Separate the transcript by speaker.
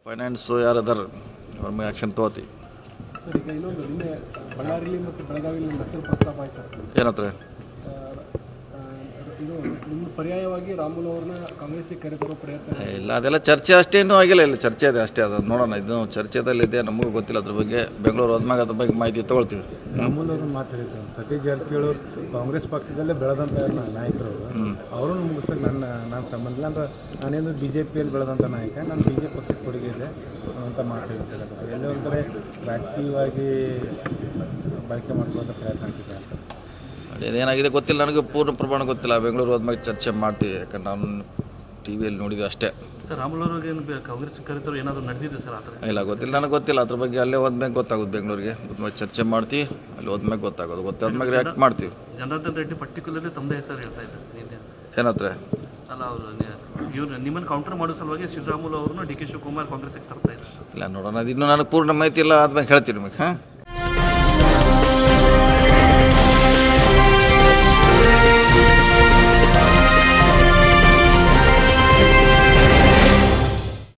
Speaker 1: Finance ಯಾರದಾರ ಅವ್ರ ಮೇಲೆ action ತೊಗೋತೀವಿ.
Speaker 2: ಸರ್, ಈಗ ಇನ್ನೊಂದು ನಿನ್ನೆ ಬಳ್ಳಾರಿಲಿ ಮತ್ತು ಬೆಳಗಾವಿಯಲ್ಲಿ ನಕ್ಸಲ್ ಪ್ರಸ್ತಾಪ ಆಯ್ತು ಸರ್.
Speaker 1: ಏನತ್ರ
Speaker 2: ಇದು ಇನ್ನು ಪರ್ಯಾಯವಾಗಿ ರಾಮುಲು ಅವ್ರನ್ನ ಕಾಂಗ್ರೆಸ್ಸಿಗೆ ಕರೆತರೋ ಪ್ರಯತ್ನ
Speaker 1: ಇಲ್ಲ, ಅದೆಲ್ಲ ಚರ್ಚೆ ಅಷ್ಟೇ, ಇನ್ನೂ ಆಗಿಲ್ಲ. ಇಲ್ಲ, ಚರ್ಚೆ ಇದೆ ಅಷ್ಟೇ. ಅದು ನೋಡೋಣ, ಇದು ಚರ್ಚೆದಲ್ಲಿದೆ, ನಮಗೂ ಗೊತ್ತಿಲ್ಲ ಅದ್ರ ಬಗ್ಗೆ. ಬೆಂಗಳೂರು ಹೋದ್ಮ್ಯಾಗ ಅದ್ರ ಬಗ್ಗೆ ಮಾಹಿತಿ ತೊಗೊಳ್ತೀವಿ.
Speaker 3: ರಾಮುಲು ಅವ್ರನ್ನ ಮಾತಾಡಿದ್ರು. ಸತೀಶ್ ಜಾರಕಿಹೊಳಿ ಕಾಂಗ್ರೆಸ್ ಪಕ್ಷದಲ್ಲೇ ಬೆಳೆದಂಥ ನಾಯಕರು, ಅವರನ್ನು ಮುಗಿಸೋಕೆ ನಾನು ಸಂಬಂಧ ಇಲ್ಲ. ಅಂದ್ರೆ ನಾನೇನು BJPಯಲ್ಲಿ ಬೆಳೆದಂಥ ನಾಯಕ, ನಾನು BJP ಪಕ್ಷಕ್ಕೆ ಕೊಡುಗೆ ಇದೆ ಅಂತ ಮಾತಾಡಿದ್ದಾರೆ. ಎಲ್ಲೇ ಒಂದು ಕಡೆ ರಾಜಕೀಯವಾಗಿ ಬಳಕೆ ಮಾಡ್ಕೊಳ್ಳೋಂಥ ಪ್ರಯತ್ನ ಆಗ್ತಿದೆ.
Speaker 1: ಅದೇನಾಗಿದೆ ಗೊತ್ತಿಲ್ಲ, ನನಗೆ ಪೂರ್ಣ ಪ್ರಮಾಣ ಗೊತ್ತಿಲ್ಲ. ಬೆಂಗಳೂರು ಹೋದ್ಮ್ಯಾಗ ಚರ್ಚೆ ಮಾಡ್ತೀವಿ, ಯಾಕಂದ್ರೆ ನಾನು TV ನೋಡಿದ್ವಿ ಅಷ್ಟೇ.
Speaker 4: ಸರ್, ರಾಮುಲು ಅವ್ರಿಗೆ ಕಾಂಗ್ರೆಸ್ ಕರೆತರು ಏನಾದರೂ ನಡೆದಿದೆ ಸರ್? ಆ ಥರ
Speaker 1: ಇಲ್ಲ, ಗೊತ್ತಿಲ್ಲ, ನನಗೆ ಗೊತ್ತಿಲ್ಲ ಅದ್ರ ಬಗ್ಗೆ. ಅಲ್ಲೇ ಹೋದ್ಮ್ಯಾಗ ಗೊತ್ತಾಗೋದು, ಬೆಂಗಳೂರಿಗೆ ಹೋದ್ಮ್ಯಾಗ ಚರ್ಚೆ ಮಾಡ್ತೀವಿ, ಅಲ್ಲಿ ಹೋದ್ಮ್ಯಾಗ ಗೊತ್ತಾಗೋದು. ಗೊತ್ತಾದ್ಮ್ಯಾಗ ರಿಯಾಕ್ಟ್ ಮಾಡ್ತೀವಿ.
Speaker 4: ಜನಾರ್ದನ್ ರೆಡ್ಡಿ ಪರ್ಟಿಕ್ಯುಲರ್ಲಿ ತಮ್ಮದೇ ಹೆಸರು ಹೇಳ್ತಾ ಇದ್ದಾರೆ.
Speaker 1: ಏನತ್ರ
Speaker 4: ಅಲ್ಲ, ಅವರು ಇವ್ರು ನಿಮ್ಮನ್ನು ಕೌಂಟರ್ ಮಾಡೋ ಸಲುವಾಗಿ ಶ್ರೀರಾಮುಲು ಅವ್ರನ್ನ DK ಶಿವಕುಮಾರ್ ಕಾಂಗ್ರೆಸ್ಗೆ ತರ್ತಾ ಇದ್ದಾರೆ.
Speaker 1: ಇಲ್ಲ, ನೋಡೋಣ, ಅದು ಇನ್ನೂ ನನಗೆ ಪೂರ್ಣ ಮಾಹಿತಿ ಇಲ್ಲ. ಆದ್ಮೇಲೆ ಹೇಳ್ತೀನಿ ನಿಮಗೆ. ಹಾಂ.